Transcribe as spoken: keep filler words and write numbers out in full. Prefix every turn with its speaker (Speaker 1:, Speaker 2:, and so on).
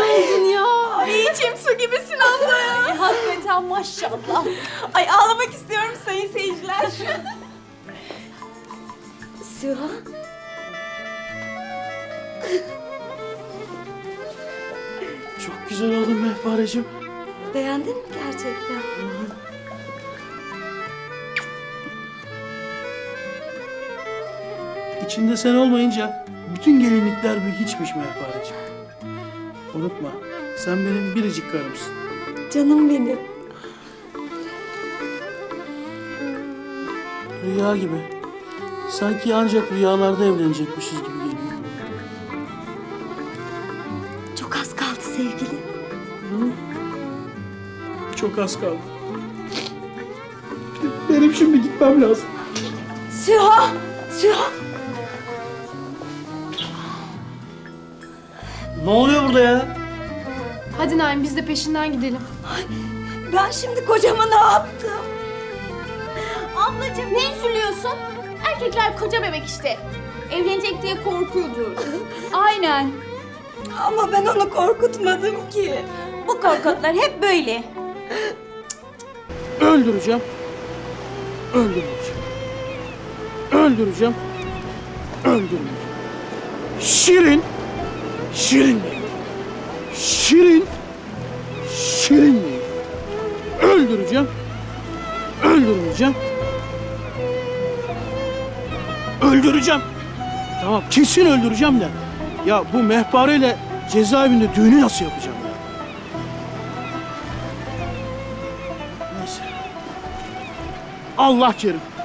Speaker 1: oldun ya.
Speaker 2: Ay içim su gibisin abla ya.
Speaker 1: Ay, hakikaten maşallah.
Speaker 2: Ay ağlamak istiyorum sayın seyirciler.
Speaker 3: Süha.
Speaker 4: Çok güzel oldun Mehpareciğim.
Speaker 3: Beğendin mi gerçekten?
Speaker 4: İçinde sen olmayınca bütün gelinlikler bir hiçmiş Mehpareciğim. Unutma, sen benim biricik karımsın.
Speaker 3: Canım benim.
Speaker 4: Rüya gibi. Sanki ancak rüyalarda evlenecekmişiz gibi geliyor.
Speaker 3: Çok az kaldı sevgili.
Speaker 4: Çok az kaldı. Benim şimdi gitmem lazım.
Speaker 3: Süha! Süha!
Speaker 4: Ne oluyor burada ya?
Speaker 1: Hadi Naim biz de peşinden gidelim.
Speaker 3: Ben şimdi kocama ne yaptım?
Speaker 2: Ablacığım ne üzülüyorsun? Erkekler koca bebek işte. Evlenecek diye korkuyordur.
Speaker 1: Aynen.
Speaker 3: Ama ben onu korkutmadım ki.
Speaker 2: Bu korkutlar hep böyle.
Speaker 4: Öldüreceğim. Öldüreceğim. Öldüreceğim. Öldüreceğim. Şirin. Şirin değil. Şirin. Şirin değil. Öldüreceğim. Öldürmeyeceğim. Öldüreceğim. Tamam kesin öldüreceğim de. Ya bu mehpareyle cezaevinde düğünü nasıl yapacağım ya? Neyse. Allah kerim.